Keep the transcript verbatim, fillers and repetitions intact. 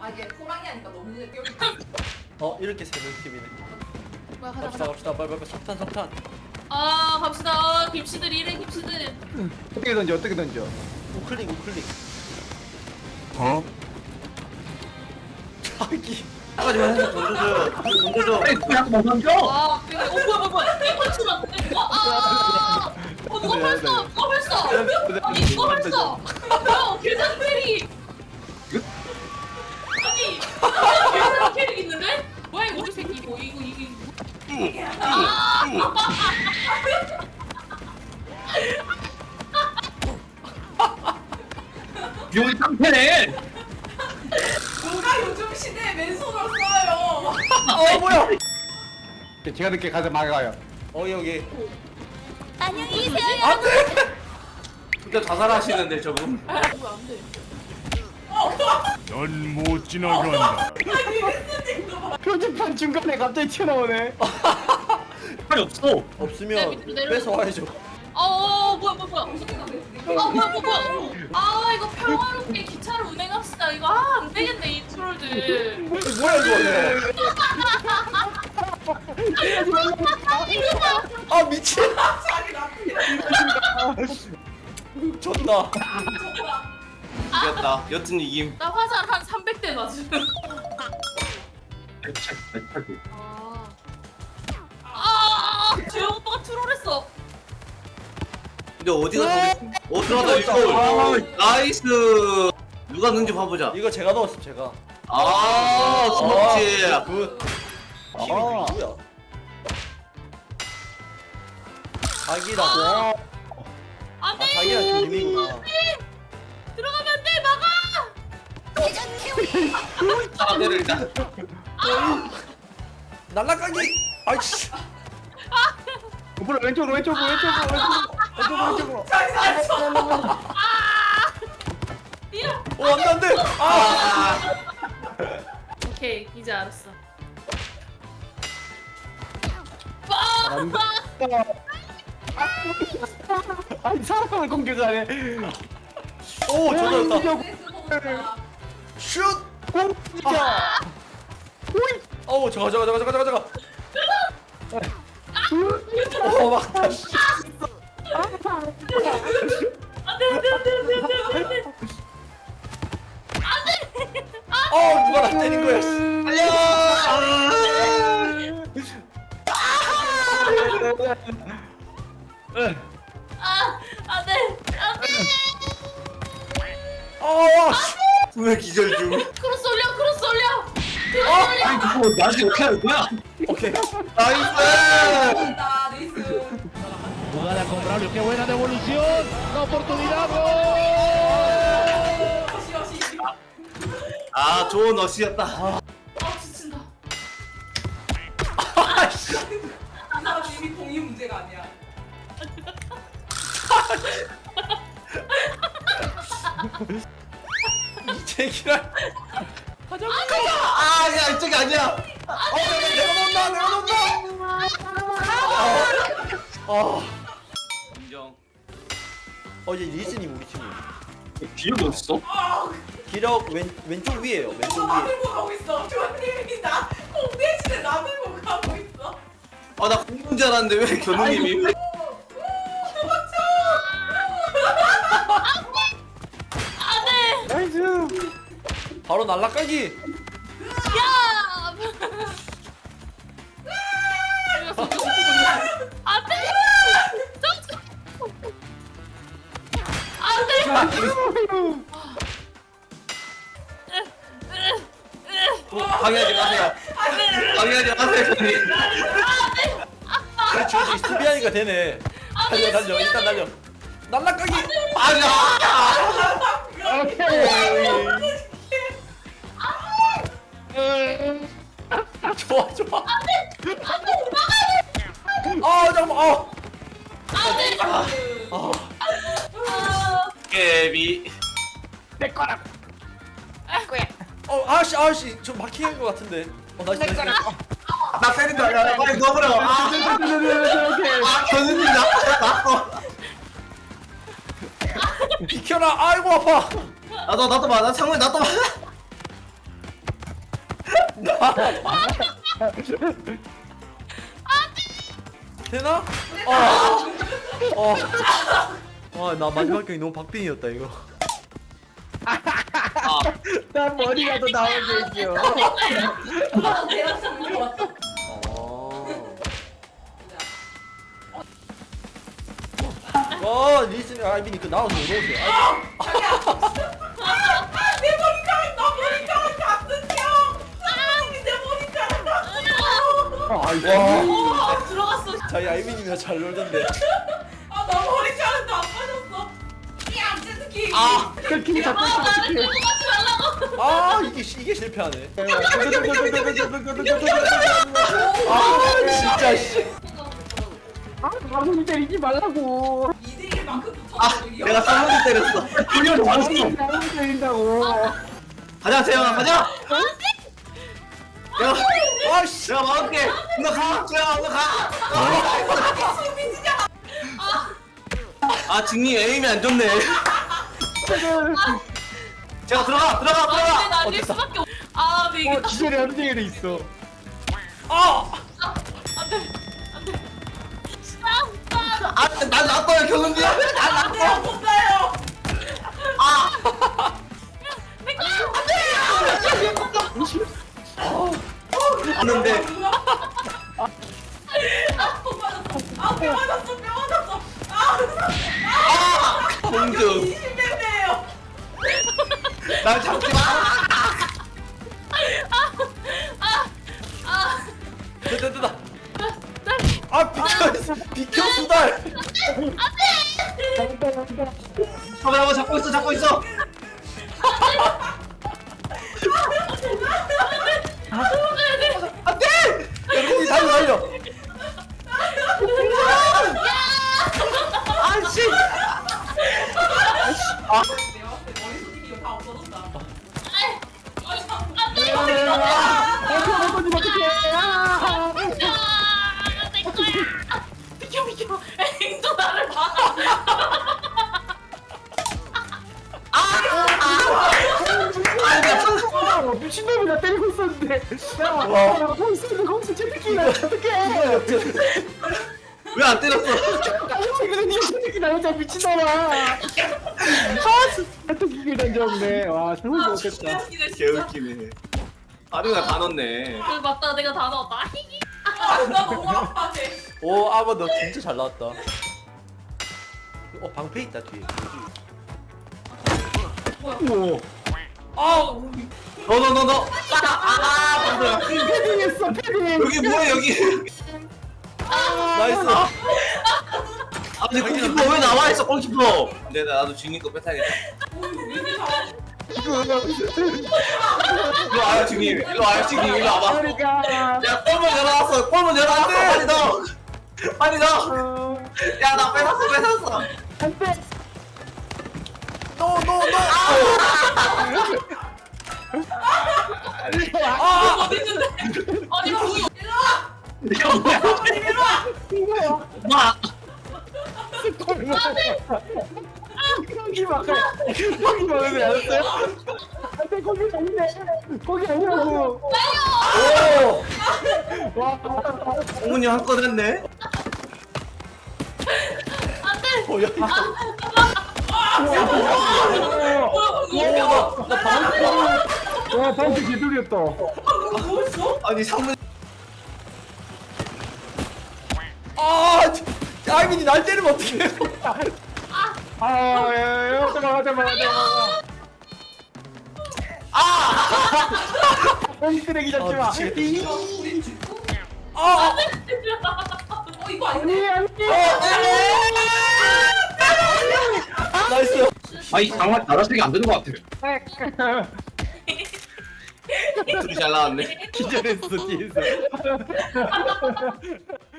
아 이게 호랑이 하니까 너무 눈에 띄어. 어 이렇게 세는 팀이네. 뭐야 가자 갑시다 가자. 갑시다 빨리 빨리 석탄 석탄. 아 갑시다. 김씨들 이래 김씨들. 어떻게 던져 어떻게 던져 우클릭 우클릭. 어? 자기. 하지 마. 던져줘요. 던져줘. 그냥 못 던져? 와 되게 어 뭐야 뭐야 뭐야. 이거 치면 돼. 어, 아, 아. 어 누가 벌써 누가 벌써. 아니 누가 벌써. 뭐야 계산 캐릭. 아니 계산 캐릭 있는데? 뭐야 이거 우리 새끼 이거 이거 이거. 용이 깡패네 누가 요즘 시대에 맨손을 써요? 어 뭐야? 제가 늦게 가서 막아요 어 여기. 안녕히 계세요. 안돼. 진짜 자살하시는데 저분. 아 뭐야 안 돼. 넌 못 지나간다. 표지판 중간에 갑자기 튀어나오네 팔이 없어 없으면 네, 밑으로 내려가. 뺏어 와야죠. 어 뭐야 뭐야 뭐야. 아 뭐야 뭐야 뭐야. 아 이거 평화롭게 기차를 운행합시다. 이거 아 안 되겠네 이 트롤들. 뭐야 이거? 아 미친. 자기 나쁘게. 졌다. 이겼다. 여튼 이김. 나 화살 한 삼백 대 맞음. 아. 아, 재영 오빠가 트롤했어. 근데 어디 가서 우리 어디 가서 이거 나이스. 누가 넣는지 봐보자. 이거 제가 넣었어 제가. 아 스모치. 아, 그 팀이 아. 누구야? 자기랑 와 아 안돼. 자기랑 김이구나. 들어가면 안 돼. 막아. 사람들을 일단. 날라가기. 아이씨. 오빠 왼쪽으로 왼쪽으로 왼쪽으로 왼쪽으로 왼쪽으로 자기 살았어. 이야. 어 안돼 안돼. 아. 오케이 이제 알았어. 안돼 아니 사람을 공격하네 오 저거였다. 스모가 슛. 공격이야 어우 저거 저거 저거 저거 저거 저거. 어 막다. 씨. 안돼 안돼 안돼 안돼 안돼. 어 누가 나 때린 거야. 씨. 아 안돼 안돼. 어. 씨. 왜 기절 중? 크로스 올려 크로스 올려. 크로스 올려. 이거 나중에 어떻게 하는 거야? 오케이. 나이스. 나 레이스. Jugada con Braulio, qué buena devolución. La oportunidad. ¡Gol! 어시 어시. 아 좋은 어시였다. 아 지친다. 아씨. 이 사람 이미 동의 문제가 아니야. 이 제기랄. 아야 이쪽이 아니야. 어 내가 놓는다 내가 놓는다. 아. 인정. 어제 리즈님 우리 팀이. 기억이 없어? 기력 왼 왼쪽 위에요. 왼쪽 저 나 위에. 들고 가고 있어. 조님이 나 공대신에 나 들고 가고 있어. 아나 공군 줄 알았는데 왜 견우님이? 안돼. 나이스 바로 날라가기. 야. 안돼. 안돼. 방해하지 마세요. 방해하지 마세요 견우님. 그렇지 그렇지 수비하니까 되네. 달려 달려 일단 달려. 날라가기. 아야. 오케이 좋아 좋아. 아 잠깐만. 아. 안돼. 아. 깨비. 내 거라 어 아씨 아씨 좀 막히는 것 같은데. 어 나이스 나이스. 나 때린다. 야 빨리 넣어버려. 아, 아 견우님 나빠 나빠. 비켜라. 아이고 아파. 나도 나도 봐. 나 창문에 나도 봐. 되나? 아, 어, 와, 나 마지막 경기 너무 박빙이었다 이거. 난 머리가 더 나오게 있어. 아, 내가 잡는 거 같아. 어. 어, 리슨 아이비니 그 나와서 오세요. 내 머리카락, 나 머리카락 같은 형. 사람이 내 머리카락 같은 형. 와, 오 들어갔어. 저희 아이비님이랑 잘 놀던데. 아, 나 머리카락도 안 빠졌어. 야, 제트키. 아 그 키 잡고 아 있어. 나를 끌고 가지 말라고. 아, 이게 시- 이게 실패하네. 아, 아, 진짜 씨. 아, 아무리 때리지 말라고. 이대일 만큼 아, 붙었어. 내가 쌍문이 때렸어. 훈련 왔어. 아무리 때린다고. 가자 재영아 가자. 내가 아, 씨. 내가 막을게. 너 가. 재영아 너 가. 아 직님 에임이 안 좋네. 제가 들어가 들어가 아 근데 들어가. 날릴 어쨌다. 수밖에 없. 아 근데 이게 어, 기절이 함정에도 있어. 아, 안돼 안돼. 아, 아난 나빠요 경은지야. 난 나빠. 내가 못 가요. 아는데 아, 못 맞았어. 아, 뼈 맞았어, 뼈 맞았어. 아, 공주 이십 대예요. 날 잡지 마. 됐다, 됐다. 아, 비켜, 비켜 수달. 잡아 잡아 잡고 있어 잡고 있어. 안돼. 여러분이 달려, 달려. 아씨. 내가 봤을 때 머리 손님이 이거 다 없어졌다. 안돼. 어떻게 어떻게 어떻게? 아, 내 거야. 비켜 비켜. 행도 나를 봐. 아, 미친놈이 나 때리고 있었는데. 야, 나 거기 있었는데 거기서 채택기나 어떡해? 왜 안 때렸어? 그래서 니 채택기 나오자 미친놈아. 아, 채택기를 던졌네. 와, 정말 아 좋겠다. 죽이네 진짜. 개웃기네. 아류가 다 넣네. 그 맞다 내가 다 넣었다. 아, 나 너무 아파해. 오, 아바 너 진짜 잘 나왔다. 어, 방패 있다 뒤에. 오, 아, 너 너 너 너. 아 방금. 패딩했어, 패딩. 여기 뭐야 여기. 나이스. 아 근데 골키퍼 왜 나와 있어 골키퍼. 근데 나도 주인님 거 뺏어야겠다. 일로 와요 주인님. 일로 와요 주인님. 일로 와봐. 그러니까. 야 골문 열어놨어. 골문 열어놨어. 빨리 넣어. 빨리 넣어. 어, 야 나 뺏었어 뺏었어. 안 돼. 노, 노, 노. 아 어디 있는데? 아니 공이 이거 뭐야? 이거 마. 여기 막 여기 막으면 알았어요? 안돼 거기 아닌데 거기 아니라고. 오. 와, 공문이 한 건 했네. 안돼. 어, 야, 와, 나 방금 와 방금 개돌이었다. 아니 상문. 아, 저- 아이비니 날 때리면 어떡해? 아, 야, 야, 야, 잠깐만, 잠깐만, 잠깐만. 아. 여기 쓰레기 잡지 아, 마. 미치겠다. 이- 이거 우리 죽고? 아, 어, 이거 아니네. 아니 아니. 나이스. 아이 장말 나라색이 안 되는 것 같아. 둘이 잘 나왔네. 기절했어 뒤에서.